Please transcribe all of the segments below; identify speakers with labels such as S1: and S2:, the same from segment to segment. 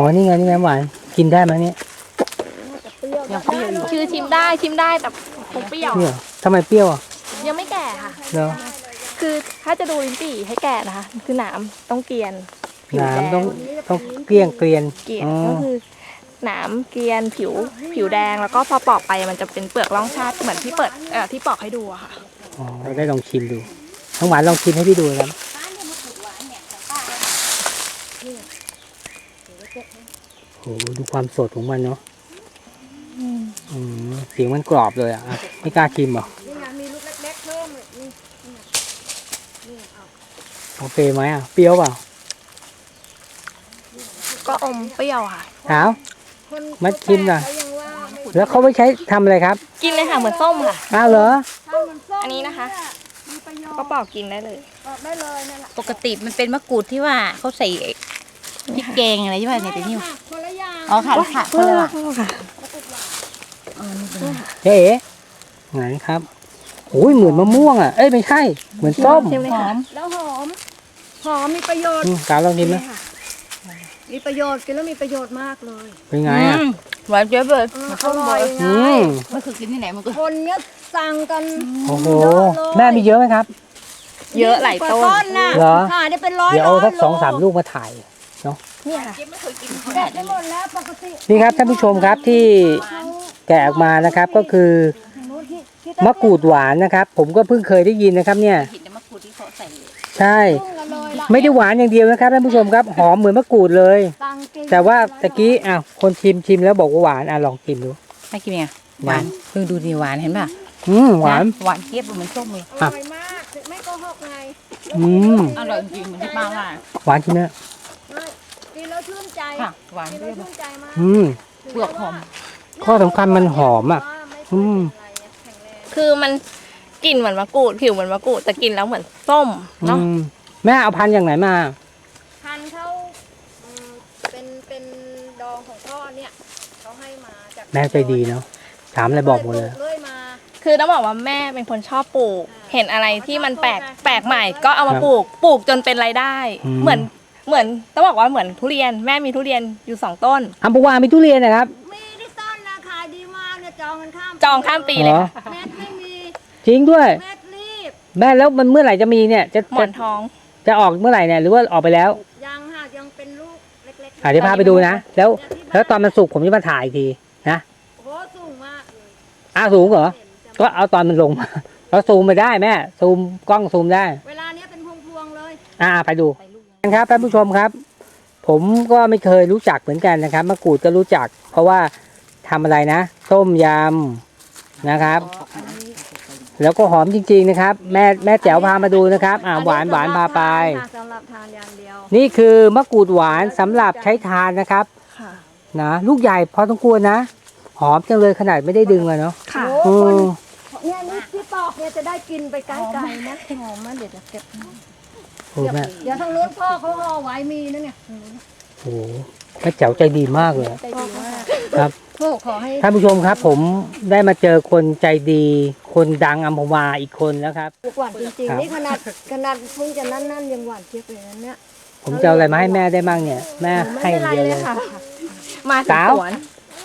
S1: นี่ไงนี่ไงหวานกินได้ไหมเนี่ย
S2: ยังเปรี้ยวอยู่คือชิมได้แต่คงเปรี้ยว
S1: เปรี้ยวทำไมเปรี้ยวอ่ะ
S2: ยังไม่แก่ค่ะ
S1: เนาะ
S2: คือถ้าจะดูลิ้นจี่ให้แก่นะคะ คือหนามต้องเกรียนผิวแดง
S1: น้ำต้องเกลี้ยงเกลียน
S2: เกรียนก็คือหนามเกรียนผิวแดงแล้วก็พอปอกไปมันจะเป็นเปลือกร่องชาติเหมือนที่ที่ปอกให้ดูอะค่ะ
S1: อ๋อเราได้ลองชิมดูน้องหวานลองชิมให้พี่ดูครับโอ้โหดูความสดของมันเนาะเสียงมันกรอบเลยอ่ะไม่กล้าชิมเหรอ
S3: นี่ไงมีลูกเล็กๆเพิ่มเลยนี่
S1: โอเคไหมอ่ะเปรี้ยวเปล่า
S2: ก็อมเปรี้ยวค่ะ
S1: ถาม
S3: คน
S1: มาชิมหน่อย
S3: เขายังว่าไม่
S1: แล้วเขาไม่ใช้ทำอะไรครับ
S2: กินเลยค่ะเหมือนส้มค่ะ
S1: อ้าวเหรอ
S3: ถ้ามันส้ม
S2: อันนี้นะคะ
S3: มีประโยชน์
S2: ก็ปอกกินได้เลย
S3: บอกได้เลยนั่นแหละ
S4: ปกติมันเป็นมะกรูดที่ว่าเขาใส่พริกแกงอะไรใช่ไหมเนี่ยแต่นี่
S3: ค่ะคนละอย่าง
S4: อ๋อค่ะค่ะคนละว่ะ
S2: ค่ะ
S1: เจ๊ไหนครับโอ้ยเหมือนมะม่วงอ่ะเอ้ยไม่ใช่เหมือนส้ม
S2: ชิมเลย
S4: ห
S2: ค่ะ
S4: อม
S3: แล้วหอมมีประโยชน์
S1: กาวลองกินไหม
S3: มีประโยชน์กินแล้วมีประโยชน์มากเลย
S1: เป็นไงอ่ะ
S4: หวานเจี๊ยบเลย
S3: อร่อยไง
S4: มันคือกินที่ไหนมันก็
S3: คนเนี้ยสั่งกัน
S1: โอ้โหแม่มีเยอะไหมครับ
S2: เยอะหลายต้น
S3: นะ
S1: เหรอ
S3: ค่ะได้เป็นร้อย
S1: เดี๋ยวเอาสัก
S3: โ
S1: 2-3 ลูกมาถ่าย
S2: เนี่ยค่ะ
S3: แกะได้หมดแล้วปกติ
S1: นี่ครับท่านผู้ชมครับที่แกะออกมานะครับก็คือ
S3: นู้นที่
S1: มะกรูดหวานนะครับ ผมก็เพิ่งเคยได้ยินนะครับเนี่ย
S4: เห็นแต่มะกรูดที่เขาใส่
S1: ใช่
S3: ต้มกันเลยล่ะ
S1: ไม่ได้หวานอย่างเดียวนะครับท่านผู้ชมครับหอมเหมือนมะกรูดเลย
S3: สั่งกิน
S1: แต่ว่าตะกี้คนชิมแล้วบอกว่าหวานลองชิมดู
S4: ไม่กินไงหวานเพิ่งดูดีหวานเห็นป่ะ
S1: หวาน
S4: หวานเจี๊ยบเหมือนส้มเลย
S3: อร่อยมากไม่โกหกไง
S4: อร่อยจริงเหมือนที่ป้าว่า
S1: หวานจริงนะ
S3: กินแล้วชื่นใจ
S4: ค่ะหวาน
S3: กิน
S4: เจี๊
S3: แล้
S4: ยว บ
S3: ชื่นใจมาก
S4: เปลือกหอม
S1: ข้อสำคัญมันหอมอ่ะ
S2: คือมันกลิ่นเหมือนมะกรูดผิวเหมือนมะกรูดแต่กินแล้วเหมือนส้มเนาะ
S1: แม่เอาพันธุ์อย่างไหนมา
S3: พันธุ์เขาเป็นดองของพ่อเนี่ยเขาให้มาจาก
S1: แม่ใจดีเนาะถามอะไรบอกหมดเลย
S3: เลื่อยมา
S2: คือต้องบอกว่าแม่เป็นคนชอบปลูก เห็นอะไรที่มันแปลกใหม่ก็เอามาปลูกจนเป็นรายได้ เหมือนต้องบอกว่าเหมือนทุเรียนแม่มีทุเรียนอยู่2 ต้น
S1: อัมพวามีทุเรียนนะครับ
S3: มีที่ต้นนะขายดีมากเนี่ยจองกันข้าม
S2: จองข้ามปีเลยค่ะ
S3: เม็ดไม่มี
S1: จริงด้วย
S3: เม็ดรีบ
S1: แม่แล้วมันเมื่อไหร่จะมีเนี่ยจะ
S2: หมอนทอง
S1: จะออกเมื่อไหร่เนี่ยหรือว่าออกไปแล้ว
S3: ยังหากยังเป็นลูกเล็กๆ
S1: เดี๋ยวพาไปดูนะแล้วตอนมันสุกผมจะมาถ่ายอีกทีนะ
S3: โอ้สูงมากเลย
S1: สูงเหรอก็เอาตอนมันลงมาเราซูมไปได้แม่ซูมกล้องซูมได้
S3: เวลาเนี้ยเป็นพวงๆเลย
S1: ไปดูครับท่านผู้ชมครับ ผมก็ไม่เคยรู้จักเหมือนกันนะครับมะกรูดก็รู้จัก เพราะว่าทำอะไรนะต้มยำนะครับ แล้วก็หอมจริงๆนะครับ แม่แจ๋วพามาดูนะครับหวานพาไป
S3: สำหรับทานอย่างเดียว
S1: นี่คือมะกรูดหวานสำหรับใช้ทานนะครับ
S2: ค่ะ
S1: นะลูกใหญ่พอต้องกลัวรนะหอมจังเลยขนาดไม่ได้ดึงเลยเนาะ
S2: ค่ะ
S3: โอ้
S1: อื
S3: คน
S1: ม
S3: เนี่ยนี่ที่ปอกเนี่ยจะได้กินไปไกลๆนะหอมมากเดี๋ยวจะเก็บ
S1: โอ้แม่
S3: เดี๋ยวทางนู้นพ่อเขาห่อไว้มีนะเนี่ย
S1: โอ้แม่แจ๋วใจดีมากเลย
S3: ใจดีมาก
S1: ครับ
S3: พ่อขอให้
S1: ท่านผู้ชมครับผมได้มาเจอคนใจดี คนดังอัมพวาอีกคนแล้วครับ
S3: หวานจริง
S1: ครับ
S3: ๆนี่ขนาดเพิ่งจะนั่นยังหวานเจี๊ยบเลยนะเนี่ย
S1: ผมจะเอาอะไรมาให้แม่ได้มั่งเนี่ย แม่
S3: ไม่
S1: ให้
S3: เป็น
S1: อ
S3: ไร
S1: ย่างเดียว
S3: เล
S1: เลย ย
S3: ค่ะ
S2: มาถึง
S1: สาว
S2: สวน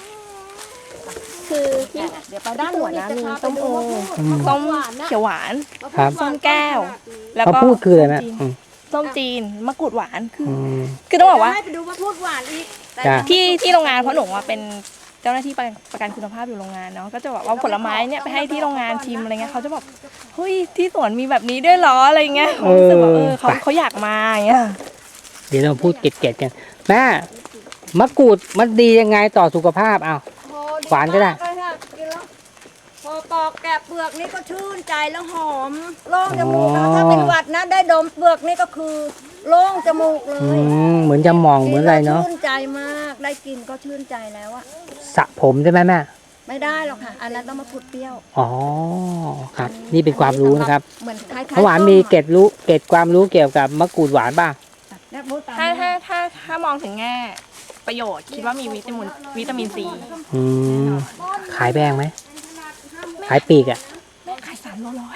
S2: คือที่
S3: เดี๋ยวไปด้านหัวนะมี
S2: ส้มโอ
S3: ส้มหวานนะ
S2: เขียวหวาน
S1: ครับ
S2: ส้มแก้ว แล้ว
S1: เขา
S2: ก็
S1: พูดคืออะไรแม่
S2: ส้มจีนมะกรูดหวานคือ
S1: อืม
S2: ต้องบอกว่า
S3: ให้ไปดูว่าพูดหวานอีก
S1: จ้ะ
S2: ที่โรงงานเพราะหนูว่าเป็นเจ้าหน้าที่ประกันคุณภาพอยู่โรงงานเนาะก็จะบอกว่าผลไม้เนี่ยไปให้ที่โรงงานชิมอะไรเงี้ยเขาจะบอกเฮ้ยที่สวนมีแบบนี้ด้วยเหรออะไรเงี้ยเขารู้สึกว่าเขาอยากมาอย่างเงี้ย
S1: เดี๋ยวเราพูดเก็ดๆกันแม่มะกรูดมันดียังไงต่อสุขภาพอ้าว
S3: โอ้
S1: หวานก็ได้
S3: มเลยค่ะกินแล้วพอปอกแกะเปลือกนี่ก็ชื่นใจแล้วหอมโล่งจมูกแล้วถ้าเป็นหวัดนะได้ดมเปลือกนี่ก็คือโล่งจมูกเล
S1: อื
S3: ย
S1: เหมือนจะมองเหมือนอะไรเนาะ
S3: ชื่นใจมากได้กินก็ชื่นใจแล้วอะ
S1: สระผมใช่ไหมแม่
S3: ไม่ได้หรอกค่ะ อันนั้นต้องมาขุดเปรี้ยว
S1: อ๋อครับ นี่เป็นความรู้นะครับ
S3: เหมือนคล้ายๆ
S1: เมื่อวานมีเกร็ดความรู้เกี่ยวกับมะกรูดหวานป่ะ
S3: เนี่ยพูดตาม
S2: ถ้ามองถึงแง่ประโยชน์คิดว่ามีวิตามินซี
S1: อืมขายแพงไหมขายปีกอ่ะ
S2: แม่ขาย300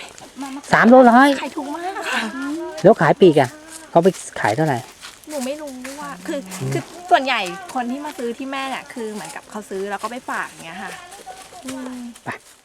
S1: 300
S2: ขายถูกมากค่ะ
S1: แล้วขายปีกอ่ะเขาไปขายเท่าไหร่
S2: หนูไม่รู้ว่าคือคือส่วนใหญ่คนที่มาซื้อที่แม่เนี่ยคือเหมือนกับเขาซื้อแล้วก็ไปฝากอย่างเงี้ยค่ะ
S1: ไป